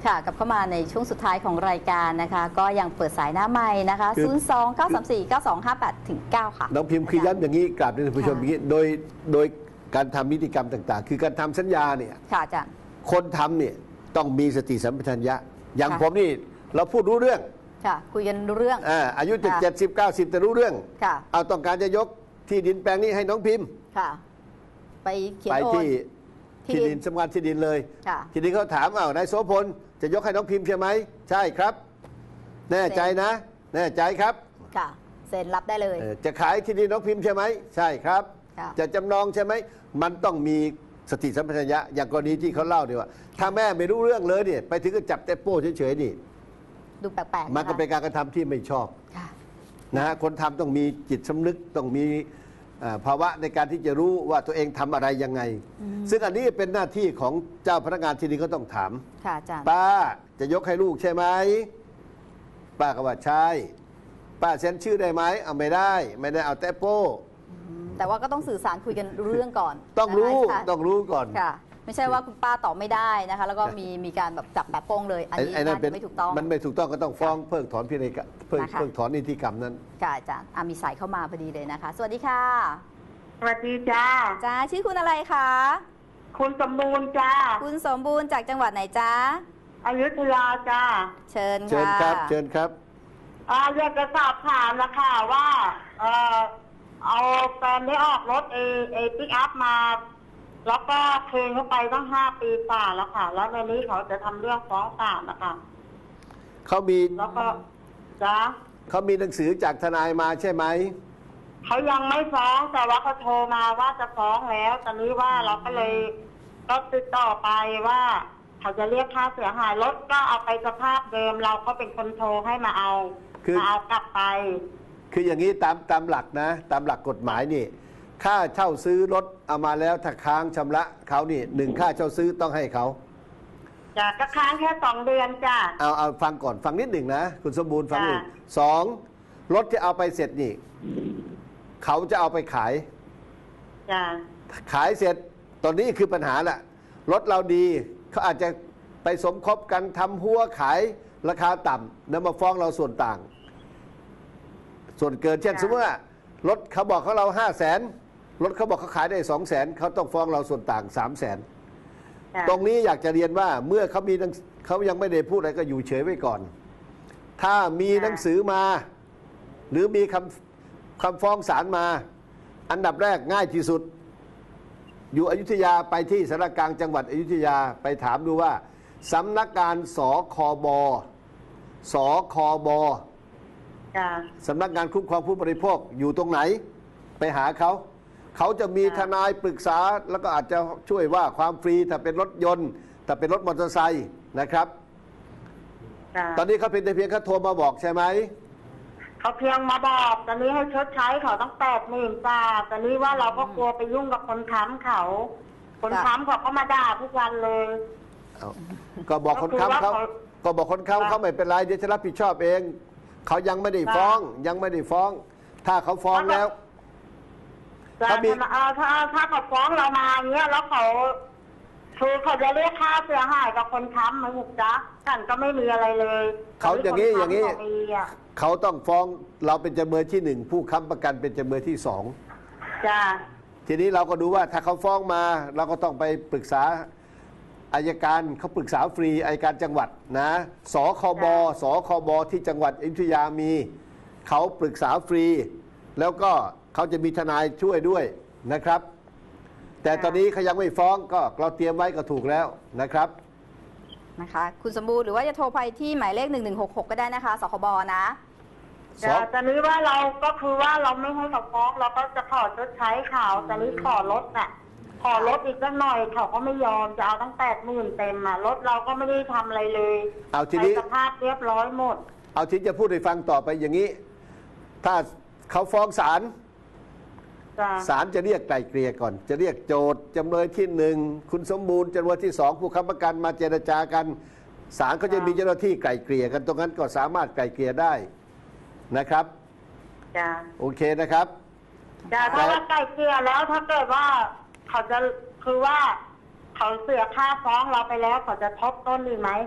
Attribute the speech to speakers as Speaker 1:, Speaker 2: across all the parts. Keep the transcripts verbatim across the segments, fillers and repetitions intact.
Speaker 1: ค่ะกลับเข้ามาในช่วงสุดท้ายของรายการนะคะก็ยังเปิดสายหน้าใหม่นะคะศูนย์ สอง เก้า สาม สี่ เก้า สอง ห้า แปด ถึง เก้าค่ะ
Speaker 2: น้องพิมพ์คือย้ำอย่างนี้กราบท่านผู้ชมอย่างนี้โดยโดยการทำนิติกรรมต่างๆคือการทำสัญญาเนี่ย
Speaker 1: ค่ะอาจารย์
Speaker 2: คนทำเนี่ยต้องมีสติสัมปชัญญะอย่างผมนี่เราพูดรู้เรื่อง
Speaker 1: ค่ะคุยกันรู้เรื่อง
Speaker 2: อ่าอายุเจ็ดสิบเก้าสิบแต่รู้เรื่อง
Speaker 1: ค่ะ
Speaker 2: เอาต้องการจะยกที่ดินแปลงนี้ให้น้องพิมพ์
Speaker 1: ค่ะไปเขียน
Speaker 2: ไป
Speaker 1: โอน
Speaker 2: ที่ที่ดินสำนักงานที่ดินเลยที่ดินเขาถามอ้าวนายโสพลจะยกให้น้องพิมพ์ใช่ไหมใช่ครับแน่ใจนะแน่ใจครับ
Speaker 1: ค่ะเซ็นรับได้เลย
Speaker 2: จะขายที่ดินน้องพิมพ์ใช่ไหมใช่ครับจะจำนองใช่ไหมมันต้องมีสติสัมปชัญญะอย่างกรณีที่เขาเล่าเนี่ยว่าถ้าแม่ไม่รู้เรื่องเลยเนี่ยไปถึงก็จับแต่โป้เฉยๆนี่
Speaker 1: ดูแปลกๆ
Speaker 2: มันก็เป็นการกระทำที่ไม่ชอบนะฮะคนทำต้องมีจิตสำนึกต้องมีภาวะในการที่จะรู้ว่าตัวเองทำอะไรยังไงซึ่งอันนี้เป็นหน้าที่ของเจ้าพนักงานที่ดินก็ต้องถามป้าจะยกให้ลูกใช่ไหมป้าก็ว่าใช่ป้าเซ็นชื่อได้ไหมเอาไม่ได้ไม่ได้เอาแต่โป้
Speaker 1: แต่ว่าก็ต้องสื่อสารคุยกันรู้เรื่องก่อน
Speaker 2: ต้องรู้ต้องรู้ก่อน
Speaker 1: ค่ะไม่ใช่ว่าคุณป้าตอบไม่ได้นะคะแล้วก็มีมีการแบบจับแบบโป้งเลยอันนี้ไม่ถูกต้อง
Speaker 2: มันไม่ถูกต้องก็ต้องฟ้องเพิกถอนพินัยกรรมเพิกเพิกถอนนิติกรรมนั้น
Speaker 1: ค่ะอาจารย์มีสายเข้ามาพอดีเลยนะคะสวัสดีค่ะ
Speaker 3: สวัสดีจ้า
Speaker 1: จ้าชื่อคุณอะไรคะ
Speaker 3: คุณสมบูรณ์จ้า
Speaker 1: คุณสมบูรณ์จากจังหวัดไหนจ้า
Speaker 3: อยุธยาจ้า
Speaker 1: เชิญค่ะ
Speaker 2: เชิญครับเชิญครับ
Speaker 3: อ่าอยากจะสอบถามนะคะว่าเออเอาแฟนได้ออกรถเอเอปิกอัพมาแล้วก็คืนเขาไปตั้งห้าปีกว่าแล้วค่ะแล้วในนี้เขาจะทำเรื่องฟ้องศาลนะคะ
Speaker 2: เขามี
Speaker 3: แล้วก็จ้า
Speaker 2: เขามีหนังสือจากทนายมาใช่ไหม
Speaker 3: เขายังไม่ฟ้องแต่ว่าเขาโทรมาว่าจะฟ้องแล้วตอนนี้ว่าเราก็เลยก็ติดต่อไปว่าเขาจะเรียกค่าเสียหายรถก็เอาไปสภาพเดิมเราก็เป็นคนโทรให้มาเอามาเอากลับไป
Speaker 2: คืออย่างนี้ตามตามหลักนะตามหลักกฎหมายนี่ค่าเช่าซื้อรถเอามาแล้วถ้าค้างชำระเขานี่หนึ่งค่าเช่าซื้อต้องให้เขา
Speaker 3: จ้ะก็ค้างแค่สองเดือนจ้ะ
Speaker 2: เอาเอาฟังก่อนฟังนิดหนึ่งนะคุณสมบูรณ์ฟังหนึ่งสองรถที่เอาไปเสร็จนี่เขาจะเอาไปขาย
Speaker 3: จ้ะ
Speaker 2: ขายเสร็จตอนนี้คือปัญหาแหละรถเราดีเขาอาจจะไปสมคบกันทำหัวขายราคาต่ำแล้วมาฟ้องเราส่วนต่างส่วนเกินเช่นสมมติว่ารถเขาบอกเขาเราห้าแสนรถเขาบอกเขาขายได้สองแสนเขาต้องฟ้องเราส่วนต่างสามแสนตรงนี้อยากจะเรียนว่าเมื่อเขามีเขายังไม่ได้พูดอะไรก็อยู่เฉยไว้ก่อนถ้ามีหนังสือมาหรือมีคำคำฟ้องศาลมาอันดับแรกง่ายที่สุดอยู่อยุธยาไปที่สารกลางจังหวัดอยุธยาไปถามดูว่าสำนักงานสคบสคบสำนักงานคุ้มครองผู้บริโภคอยู่ตรงไหนไปหาเขาเขาจะมีทนายปรึกษาแล้วก็อาจจะช่วยว่าความฟรีถ้าเป็นรถยนต์ถ้าเป็นรถมอเตอร์ไซค์นะครับตอนนี้เขาเป็นแต่เพียงแค่โทรมาบอกใช่ไหม
Speaker 3: เขาเพียงมาบอกตอนนี้ให้ชดใช้เขาต้องแปดหมื่นบาทตอนนี้ว่าเราก็กลัวไปยุ่งกับคนค้ำเขาคนค้ำเขาก็มาด่าทุกวันเลย
Speaker 2: ก็บอกคนค้ำเขาก็บอกคนค้ำเขาไม่เป็นไรเดี๋ยวจะรับผิดชอบเองเขายังไม่ได้ฟ้องยังไม่ได้ฟ้องถ้าเขาฟ้องแล้ว
Speaker 3: ถ้าถ้าถ้าเขาฟ้องเรามาเงี้ยแล้วเขาคือเขาจะเรียกค่าเสียหายกับคนค้ำไหมหุบจ๊ะกันก็ไม่มีอะไรเลย
Speaker 2: เขาอย่างนี้อย่างนี้เขาต้องฟ้องเราเป็นจำเลยที่หนึ่งผู้ค้ำประกันเป็นจำเลยที่สอง
Speaker 3: จ้า
Speaker 2: ทีนี้เราก็ดูว่าถ้าเขาฟ้องมาเราก็ต้องไปปรึกษาอัยการเขาปรึกษาฟรีอัยการจังหวัดนะสคบสคบที่จังหวัดอยุธยามีเขาปรึกษาฟรีแล้วก็เขาจะมีทนายช่วยด้วยนะครับแต่ตอนนี้เขายังไม่ฟ้องก็เราเตรียมไว้ก็ถูกแล้วนะครับ
Speaker 1: นะคะคุณสมบูรณ์หรือว่าจะโทรไปที่หมายเลขหนึ่งหนึ่งหกหกก็ได้นะคะสคบนะ
Speaker 3: แต่ตอนนี้ว่าเราก็คือว่าเราไม่ให้เขาฟ้องเราก็จะขอชดใช้เขาตอนนี้ขอลดน่ะขอลดอีกสักหน่อยเขาก็ไม่ยอมจะเอาตั้งแปดหมื่นเต็มอ่ะรถเราก็ไม่ได้ทำอะไรเลย
Speaker 2: เอาทีนี้
Speaker 3: สภาพเรียบร้อยหมด
Speaker 2: เอาที่จะพูดให้ฟังต่อไปอย่างนี้ถ้าเขาฟ้องศาลศาลจะเรียกไกล่เกลี่ยก่อนจะเรียกโจทย์จำเลยที่หนึ่งคุณสมบูรณ์จำเลยที่สองผู้ค้ำประกันมาเจรจากันศาลเขาจะมีเจ้าหน้าที่ไกล่เกลี่ยกันตรงนั้นก็สามารถไกล่เกลี่ยได้นะครับ
Speaker 3: จ้า
Speaker 2: โอเคนะครับ
Speaker 3: จ้าถ้าว่าไกล่เกลี่ยแล้วถ้าเกิดว่าเขาจะคือว่าเขาเสียค่าฟ้องเราไปแล้วเขาจะทบต้นดีไหม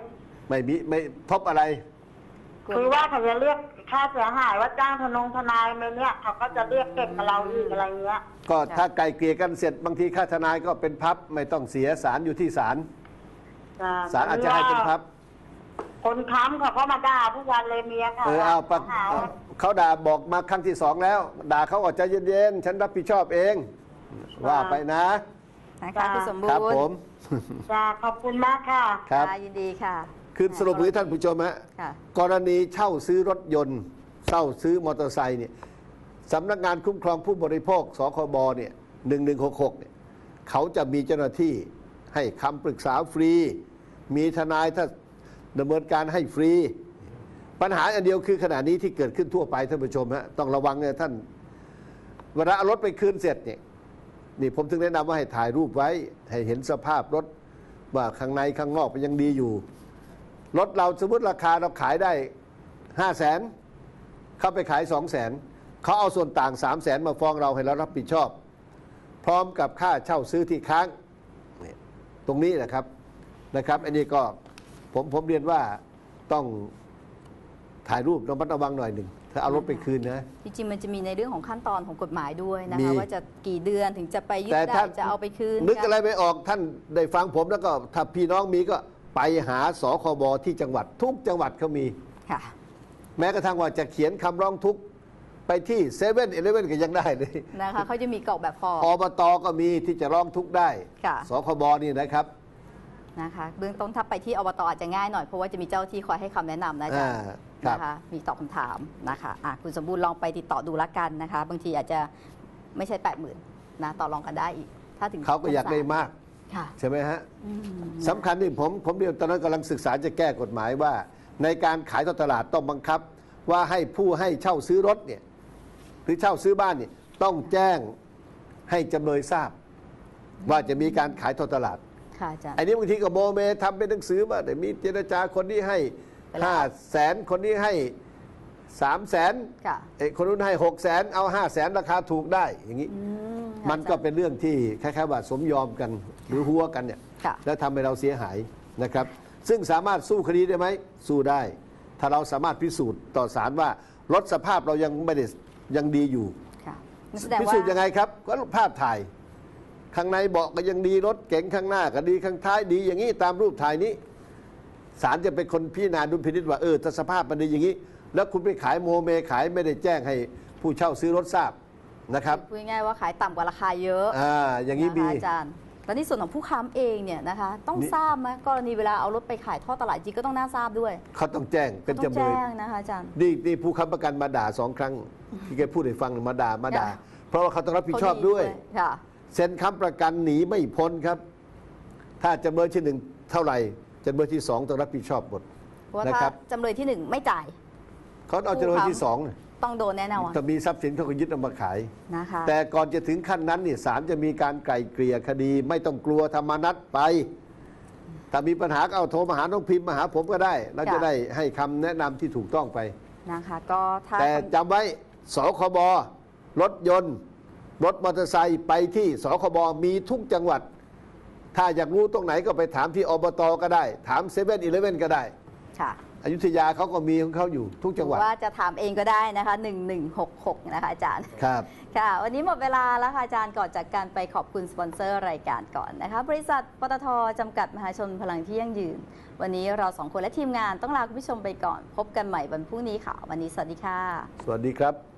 Speaker 2: ไม่มีไม่พบอะไร
Speaker 3: คือว่าเขาจะเรียกค่าเสียหายว่าจ้างทนงทนายไปเนี่ยเขาก็จะเรียกเก็บกับเราอีกอะไรเงี้ย
Speaker 2: ก็ถ้าไกลเกลี่ยกันเสร็จบางทีค่าทนายก็เป็นพับไม่ต้องเสียศาลอยู่ที่ศาลศาลอาจจะให้เป็นพับ
Speaker 3: คนค้ำเขาก็มาด่าทุกวันเลยเมียเขา
Speaker 2: เออเอาปะ
Speaker 3: หาว่า
Speaker 2: เขาด่าบอกมาครั้งที่สองแล้ว ด่าเขาออกใจเย็นๆฉันรับผิดชอบเอง ว่าไปนะ
Speaker 1: นะคะคุณสมบู
Speaker 2: ครับ
Speaker 1: รณ์
Speaker 2: ผม
Speaker 3: จ้าขอบคุณมากค่ะ
Speaker 2: ครับ
Speaker 1: ค่ะยินดีค่ะ
Speaker 2: คือสรุปนี้ท่านผู้ชมฮะ
Speaker 1: ค่ะ
Speaker 2: กรณีเช่าซื้อรถยนต์เช่าซื้อมอเตอร์ไซค์เนี่ยสำนักงานคุ้มครองผู้บริโภคสคบเนี่ยหนึ่งหนึ่งหกหกเนี่ยเขาจะมีเจ้าหน้าที่ให้คำปรึกษาฟรี มีทนายถ้าดำเนินการให้ฟรี ปัญหาอันเดียวคือขณะนี้ที่เกิดขึ้นทั่วไปท่านผู้ชมฮะต้องระวังเนี่ยท่านเวลาเอารถไปคืนเสร็จเนี่ยนี่ผมถึงแนะนำว่าให้ถ่ายรูปไว้ให้เห็นสภาพรถว่าข้างในข้างนอกมันยังดีอยู่รถเราสมมติราคาเราขายได้ห้าแสนเข้าไปขายสองแสนเขาเอาส่วนต่างสามแสนมาฟ้องเราให้เรารับผิดชอบ พร้อมกับค่าเช่าซื้อที่ค้างนี่ตรงนี้นะครับนะครับอันนี้ก็ผมผมเรียนว่าต้องถ่ายรูประมัดระวังหน่อยหนึ่งถ้าเอารถไปคืนนะ
Speaker 1: จริงๆมันจะมีในเรื่องของขั้นตอนของกฎหมายด้วยนะ
Speaker 2: มี
Speaker 1: คะว่าจะกี่เดือนถึงจะไปยึด
Speaker 2: แต่
Speaker 1: ได้
Speaker 2: ถ้า
Speaker 1: จะเอาไปคืน
Speaker 2: นึกอะไรไม่ออกท่านได้ฟังผมแล้วก็ถ้าพี่น้องมีก็ไปหาสคบที่จังหวัดทุกจังหวัดเขามี
Speaker 1: ค่ะ
Speaker 2: แม้กระทั่งว่าจะเขียนคำร้องทุกข์ไปที่เซเว่นเอเลเว่นก็ยังได้เลย
Speaker 1: นะคะเขาจะมีกรอกแบบฟอร์ม
Speaker 2: อบตก็มีที่จะร้องทุกข์ได้
Speaker 1: ค่ะ
Speaker 2: สคบนี่นะครับ
Speaker 1: นะคะเบื้องต้นถ้าไปที่อบตอาจจะง่ายหน่อยเพราะว่าจะมีเจ้าที่คอยให้คำแนะนำนะอาจ๊ะ
Speaker 2: อ่าครับ
Speaker 1: นะคะมีตอบคำถามนะคะอ่ะคุณสมบูรณ์ลองไปติดต่อดูละกันนะคะ บางทีอาจจะไม่ใช่แปดหมื่นนะต่อรองกันได้อีก ถ้าถึง
Speaker 2: เขาก็อยากได้มาก
Speaker 1: ค่ะ
Speaker 2: ใช่ไหมฮะ
Speaker 1: อืม
Speaker 2: สำคัญที่ผมผมเดียวตอนนั้นกำลังศึกษาจะแก้กฎหมายว่า ในการขายทอดตลาดต้องบังคับ ว่าให้ผู้ให้เช่าซื้อรถเนี่ยหรือเช่าซื้อบ้านเนี่ยต้องแจ้งให้จำเลยทราบ ว่าจะมีการขายทอดตลาด
Speaker 1: ค่ะอาจารย์
Speaker 2: ไอ้นี้บางทีก็โมเมทำเป็นหนังสือมาแต่มีเจรจาคนนี้ให้
Speaker 1: ไปแล้ว
Speaker 2: ห้าแสนคนนี้ให้สามแสน
Speaker 1: ค่ะ
Speaker 2: ไอ้คนนู้นให้หกแสนเอาห้าแสนราคาถูกได้อย่างนี้
Speaker 1: อืม
Speaker 2: มันก็เป็นเรื่องที่คล้ายๆว่าสมยอมกันหรือหัวกันเนี่ย
Speaker 1: ค่ะ
Speaker 2: แล้วทำให้เราเสียหายนะครับ ซึ่งสามารถสู้คดีได้ไหมสู้ได้ ถ้าเราสามารถพิสูจน์ต่อศาลว่ารถสภาพเรายังไม่ได้ยังดีอยู่
Speaker 1: ค่ะนั่นแสดง
Speaker 2: พิ
Speaker 1: ว่า
Speaker 2: สูจน์ยังไงครับก็ภาพถ่าย ข้างในเบาะก็ยังดีรถเก๋งข้างหน้าก็ดีข้างท้ายดีอย่างนี้ตามรูปถ่ายนี้ศาลจะเป็นคนพิจารณาดุลพินิจว่าเออถ้าสภาพมันดีอย่างนี้ แล้วคุณไปขายโมเมขายไม่ได้แจ้งให้ผู้เช่าซื้อรถทราบนะครับ
Speaker 1: พูดง่ายๆว่าขายต่ำกว่าราคาเยอะ
Speaker 2: อ่าอย่างนี้
Speaker 1: นะคะ
Speaker 2: มี
Speaker 1: อาจารย์แล้วในส่วนของผู้ค้ำเองเนี่ยนะคะ ต้อง
Speaker 2: นี่
Speaker 1: ทราบไหมกรณีเวลาเอารถไปขายทอดตลาดจริงก็ต้องน่าทราบด้วย
Speaker 2: เขาต้องแจ้งเป็น
Speaker 1: ต้อง
Speaker 2: จำเลย
Speaker 1: แจ้งนะคะอาจารย์
Speaker 2: นี่นี่ผู้ค้ำประกันมาด่าสองครั้ง ที่แกพูดให้ฟังมาด่ามาด่า
Speaker 1: ค่ะ
Speaker 2: เพราะว่าเขาต้องรับผิดชอบด้วย
Speaker 1: ค่ะ
Speaker 2: เซ็นค้ำประกันหนีไม่พ้นครับ ถ้าจำเลยที่หนึ่งเท่าไหร่จำเลยที่สองต้องรับผิดชอบหมด
Speaker 1: เพราะว่า
Speaker 2: นะ
Speaker 1: ถ้า
Speaker 2: ครับ
Speaker 1: จำเลยที่หนึ่งไม่จ่าย
Speaker 2: เขาเอาจำเลยที่สอง
Speaker 1: ต้องโดนแน่นอน
Speaker 2: ถ้ามีทรัพย์สินเขาก็ยึดเอามาขาย
Speaker 1: นะคะ
Speaker 2: แต่ก่อนจะถึงขั้นนั้นนี่ศาลจะมีการไกล่เกลี่ยคดี ไม่ต้องกลัวธรรมนัตไป ถ้ามีปัญหาก็เอาโทรมาหาน้องพิมพ์มาหาผมก็ได้ เราจะได้ให้คำแนะนำที่ถูกต้องไป
Speaker 1: นะคะก็ถ้า
Speaker 2: แต่จำไว้สคบรถยนต์ รถมอเตอร์ไซค์ไปที่สคบมีทุกจังหวัด ถ้าอยากรู้ตรงไหนก็ไปถามที่อบตก็ได้ ถามเซเว่นอีเลฟเว่นก็ได้
Speaker 1: ค่ะ
Speaker 2: อยุธยาเขาก็มีของเขาอยู่ทุกจังหวัด
Speaker 1: ว่าจะถามเองก็ได้นะคะหนึ่งหนึ่งหกหกนะคะอาจารย์
Speaker 2: ครับ
Speaker 1: ค่ะ วันนี้หมดเวลาแล้วค่ะอาจารย์ก่อนจากการไปขอบคุณสปอนเซอร์รายการก่อนนะคะ บริษัทปตทจำกัดมหาชนพลังที่ยั่งยืน วันนี้เราสองคนและทีมงานต้องลาคุณผู้ชมไปก่อน พบกันใหม่วันพรุ่งนี้ค่ะ วันนี้สวัสดีค่ะ
Speaker 2: สวัสดีครับ